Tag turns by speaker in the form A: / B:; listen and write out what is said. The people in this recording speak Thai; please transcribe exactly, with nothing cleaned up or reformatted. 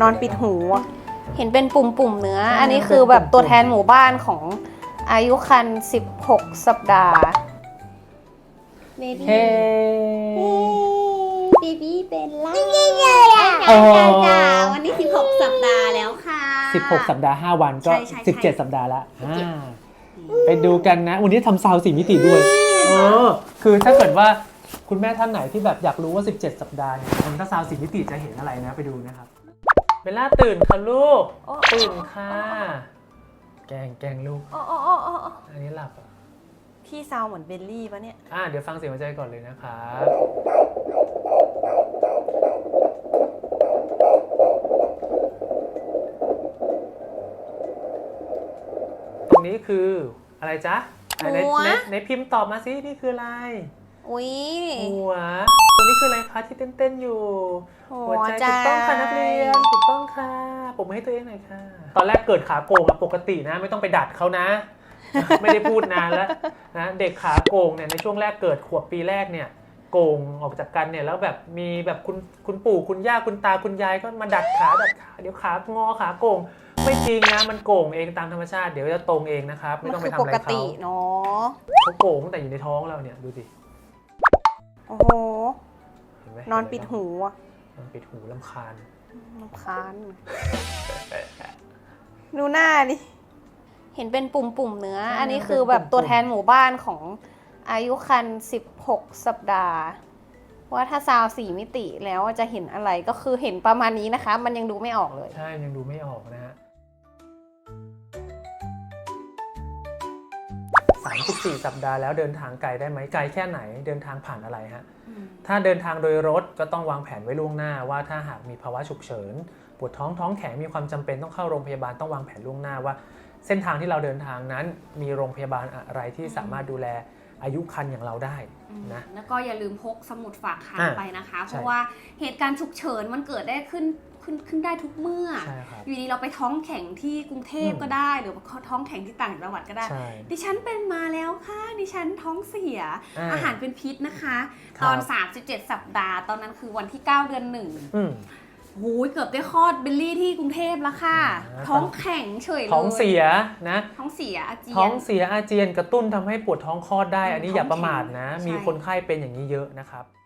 A: นอนปิดหูเห็นเป็นปุ่มๆเนื้ออันนี้คือแบบตัวแทนหมู่บ้านของอายุครรภ์สิบหกสัปดาห์เบบี้
B: เฮ้
A: เบบี้เป็นล่า
B: โอ้
A: วันนี้สิบหกสัปดาห์แล้วค่ะ
B: สิบหกสัปดาห์ห้าวันก็
A: ใช่ใช่ใช่
B: สิบเจ็ดสัปดาห์ละอ่าไปดูกันนะวันนี้ทำซาวสี่มิติด้วยเออคือถ้าเกิดว่าคุณแม่ท่านไหนที่แบบอยากรู้ว่าสิบเจ็ดสัปดาห์เนี่ยมันถ้าซาวสี่มิติจะเห็นอะไรนะไปดูนะครับเบลล่าตื่นค่ะลูกตื่นค่ะแกงแกงลูก
A: อ๋ออ๋ออ๋ออ๋อ
B: อันนี้หลับอ่ะ
A: พี่ซาวเหมือนเบลลี่ปะเนี่ย
B: อ่าเดี๋ยวฟังเสียงหัวใจก่อนเลยนะครับตรงนี้คืออะไรจ๊ะไหนไหนไหนไหนพิมพ์ตอบมาสินี่คืออะไร
A: อุ้ย
B: หัวตรงนี้คืออะไรคะที่เต้นๆอยู่
A: หัวใจ
B: ถูกต้องค่ะนักเรียนถูกต้องค่ะผมให้ตัวเองหน่อยค่ะตอนแรกเกิดขาโกงอะปกตินะไม่ต้องไปดัดเขานะ ไม่ได้พูดนานแล้วนะเด็กขาโกงเนี่ยในช่วงแรกเกิดขวบปีแรกเนี่ยโกงออกจากกันเนี่ยแล้วแบบมีแบบคุณคุณปู่คุณย่าคุณตาคุณยายก็มาดัดขาดัดขาเดี๋ยวขางอขาโกงไม่จริงนะมันโกงเองตามธรรมชาติเดี๋ยวจะตรงเองนะครับไม่ต้องไปทำอะไร
A: ปก
B: เขา
A: ติเนาะ
B: เขาโกงตั้งแต่อยู่ในท้องเราเนี่ยดูสิ
A: โอ้โห
B: เห็นไหม
A: นอนปิดหูอะ
B: นอนปิดหูรำคาญ
A: รำคาญดูหน้าดิเห็นเป็นปุ่มๆเนื้ออันนี้คือแบบตัวแทนหมู่บ้านของอายุครรภ์สิบหกสัปดาห์ว่าถ้าซาวสี่มิติแล้วจะเห็นอะไรก็คือเห็นประมาณนี้นะคะมันยังดูไม่ออกเลย
B: ใช่ยังดูไม่ออกนะฮะสามสิบสี่สัปดาห์แล้วเดินทางไกลได้ไหมไกลแค่ไหนเดินทางผ่านอะไรฮะถ้าเดินทางโดยรถก็ต้องวางแผนไว้ล่วงหน้าว่าถ้าหากมีภาวะฉุกเฉินปวดท้องท้องแข็งมีความจำเป็นต้องเข้าโรงพยาบาลต้องวางแผนล่วงหน้าว่าเส้นทางที่เราเดินทางนั้นมีโรงพยาบาลอะไรที่สามารถดูแลอายุครรภ์อย่างเราได้นะ
C: แล้วก็อย่าลืมพกสมุดฝากคัน
B: อ่ะ
C: ไปนะคะ
B: ใช่
C: เพราะว่าเหตุการณ์ฉุกเฉินมันเกิดได้ขึ้นขึ้นขึ้นได้ทุกเมื่อ
B: ใช่ครับ
C: อยู่ดีเราไปท้องแข็งที่กรุงเทพ
B: อืม
C: ก็ได้หรือว่าท้องแข็งที่ต่างจังหวัดก็ได้
B: ใช่
C: ดิฉันเป็นมาแล้วค่ะดิฉันท้องเสีย
B: อ่า
C: อาหารเป็นพิษนะคะ
B: ครับ
C: ตอนสามสิบเจ็ดสัปดาห์ ตอนนั้นคือวันที่เก้าเดือนหนึ่ง
B: อืม
C: หูยเกือบได้คลอดเบลลี่ที่กรุงเทพแล้วค่ะ
B: อ่า
C: ท้องแข็งเฉยเลย
B: ท้องเสียนะ
C: ท้องเสียอาเจียน
B: ท้องเสียอาเจียนกระตุ้นทำให้ปวดท้องคลอดได้ อันนี้อย่าประมาทนะ
C: ใช่
B: มีคนไข้เป็นอย่างนี้เยอะนะครับ